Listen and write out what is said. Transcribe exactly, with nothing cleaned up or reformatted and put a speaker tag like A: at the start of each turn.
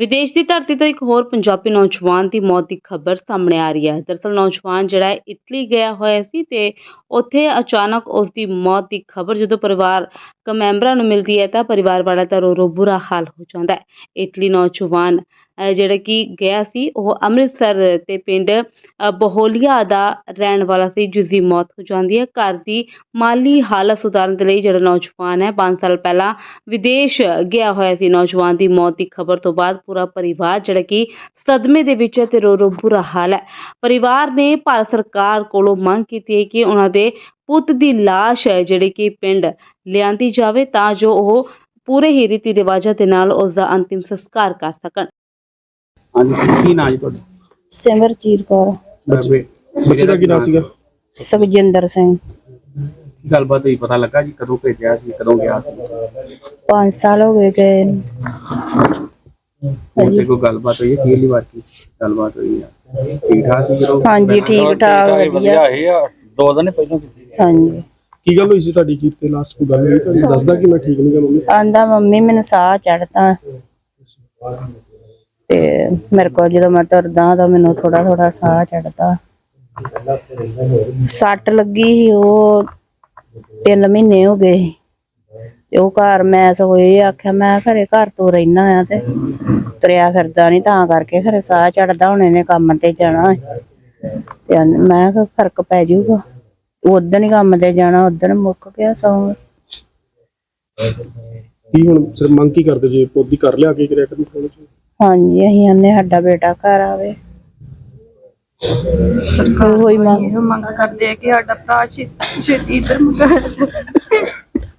A: ਵਿਦੇਸ਼ ਦੀ ਧਰਤੀ ਤੋਂ ਇੱਕ ਹੋਰ ਪੰਜਾਬੀ ਨੌਜਵਾਨ ਦੀ ਮੌਤ ਦੀ ਖਬਰ ਸਾਹਮਣੇ ਆ ਰਹੀ ਹੈ। ਦਰਅਸਲ ਨੌਜਵਾਨ ਜਿਹੜਾ ਹੈ ਇਟਲੀ ਗਿਆ ਹੋਇਆ ਸੀ ਤੇ ਉੱਥੇ ਅਚਾਨਕ ਉਸ ਦੀ ਮੌਤ ਦੀ ਖਬਰ ਜਦੋਂ ਪਰਿਵਾਰਕ ਮੈਂਬਰਾਂ ਨੂੰ ਮਿਲਦੀ ਹੈ ਤਾਂ ਪਰਿਵਾਰ ਵਾਲਾ ਤਾਂ ਰੋ ਰੋ ਬੁਰਾ ਹਾਲ ਹੋ ਜਾਂਦਾ ਹੈ। ਇਟਲੀ ਨੌਜਵਾਨ ਅਹ ਜਿਹੜਾ ਕਿ ਗਿਆ ਸੀ ਉਹ ਅੰਮ੍ਰਿਤਸਰ ਤੇ ਪਿੰਡ ਅਹ ਬਹੋਲੀਆ ਦਾ ਰਹਿਣ ਵਾਲਾ ਸੀ, ਜਿਸ ਦੀ ਮੌਤ ਹੋ ਜਾਂਦੀ ਹੈ। ਘਰ ਦੀ ਮਾਲੀ ਹਾਲਤ ਸੁਧਾਰਨ ਦੇ ਲਈ ਜਿਹੜਾ ਨੌਜਵਾਨ ਹੈ ਪੰਜ ਸਾਲ ਪਹਿਲਾਂ ਵਿਦੇਸ਼ ਗਿਆ ਹੋਇਆ ਸੀ। ਨੌਜਵਾਨ ਦੀ ਮੌਤ ਦੀ ਖਬਰ ਤੋਂ ਬਾਅਦ ਪੂਰਾ ਪਰਿਵਾਰ ਜਿਹੜਾ ਕਿ ਸਦਮੇ ਦੇ ਵਿੱਚ ਹੈ ਤੇ ਰੋ ਰੋ ਬੁਰਾ ਹਾਲ ਹੈ। ਪਰਿਵਾਰ ਨੇ ਭਾਰਤ ਸਰਕਾਰ ਕੋਲੋਂ ਮੰਗ ਕੀਤੀ ਹੈ ਕਿ ਉਹਨਾਂ ਦੇ ਪੁੱਤ ਦੀ ਲਾਸ਼ ਹੈ ਜਿਹੜੀ ਕਿ ਪਿੰਡ ਲਿਆਂਦੀ ਜਾਵੇ ਤਾਂ ਜੋ ਉਹ ਪੂਰੇ ਹੀ ਰੀਤੀ ਰਿਵਾਜਾਂ ਦੇ ਨਾਲ ਉਸ ਦਾ ਅੰਤਿਮ ਸੰਸਕਾਰ ਕਰ ਸਕਣ।
B: ਹਾਂਜੀ, ਕੀ ਨਾਂ ਜੀ ਤੁਹਾਡਾ?
C: ਸਿਮਰਜੀਤ ਕੌਰ।
B: ਬੱਚੇ ਬੱਚੇ ਦਾ ਕੀ ਨਾਂ ਸੀਗਾ?
C: ਸੁਖਜਿੰਦਰ ਸਿੰਘ।
B: ਗੱਲਬਾਤ ਹੋਈ, ਪਤਾ ਲੱਗਾ ਜੀ ਕਦੋਂ ਭੇਜਿਆ ਸੀ, ਕਦੋਂ ਗਿਆ ਸੀ?
C: ਪੰਜ ਸਾਲ ਹੋ ਗਏ ਗਏ ਨੂੰ।
B: ਹੁਣ ਤੇ ਕੋਈ ਗੱਲਬਾਤ ਹੋਈ ਹੈ? ਕੀ ਵਾਰ ਕੀ ਗੱਲਬਾਤ ਹੋਈ ਹੈ? ਠੀਕ ਠਾਕ ਸੀ ਜਦੋਂ?
C: ਹਾਂਜੀ ਠੀਕ ਠਾਕ ਵਧੀਆ।
D: ਇਹ ਆ ਦੋ ਦਿਨ ਪਹਿਲਾਂ ਕੀਤੀ।
C: ਹਾਂਜੀ
E: ਕੀ ਗੱਲ ਹੋਈ ਸੀ ਤੁਹਾਡੀ? ਕੀ ਤੇ ਲਾਸਟ ਕੋਈ ਗੱਲ ਹੋਈ? ਤੁਹਾਨੂੰ ਦੱਸਦਾ ਕਿ ਮੈਂ ਠੀਕ ਨਹੀਂ ਗਾ ਮੰਮੀ?
C: ਆਂਦਾ ਮੰਮੀ ਮੈਨੂੰ ਸਾਹ ਚੜਦਾ ਤੇ ਮੇਰੇ ਕੋਲ ਜਦੋਂ ਮੈਂ ਤੁਰਦਾ ਤਾਂ ਮੈਨੂੰ ਥੋੜਾ ਥੋੜਾ ਸਾਹ ਚੜਦਾ। ਸੱਟ ਲੱਗੀ ਸੀ ਉਹ ਤਿੰਨ ਮਹੀਨੇ ਹੋ ਗਏ ਸੀ ਤੇ ਉਹ ਘਰ ਮੈਂ ਸਗੋਂ ਇਹ ਆਖਿਆ ਮੈਂ ਘਰੇ ਘਰ ਤੋਂ ਰਹਿਣਾ ਆ ਤੇ ਤੁਰਿਆ ਫਿਰਦਾ ਨਹੀਂ ਤਾਂ ਕਰਕੇ ਖਰੇ ਸਾਹ ਚੜਦਾ ਹੁਣ ਇਹਨੇ ਕੰਮ ਤੇ ਜਾਣਾ ਤੇ ਮੈਂ ਕਿਹਾ ਫਰਕ ਪੈ ਜਾਊਗਾ। ਉਦਣ ਹੀ ਕੰਮ ਤੇ ਜਾਣਾ, ਉਦਣ ਮੁੱਕ ਗਿਆ ਸੌਂ।
E: ਕੀ ਹੁਣ ਸਿਰ ਮੰਗ ਕੀ ਕਰਦੇ ਜੇ? ਪੋਦੀ ਕਰ ਲਿਆ ਕੇ ਕਰਿਆ ਕਰਨ ਥੋੜਾ ਜਿਹਾ?
C: ਹਾਂਜੀ ਅਸੀਂ ਆਨੇ ਸਾਡਾ ਬੇਟਾ ਘਰ ਆਵੇ।
F: ਸਰਕਾਰ ਹੋਈ ਮੰਗ ਕਰਦੇ ਆ ਕਿ ਸਾਡਾ ਭਰਾ ਛੇਤੀ ਇੱਧਰ ਮੰਗਾ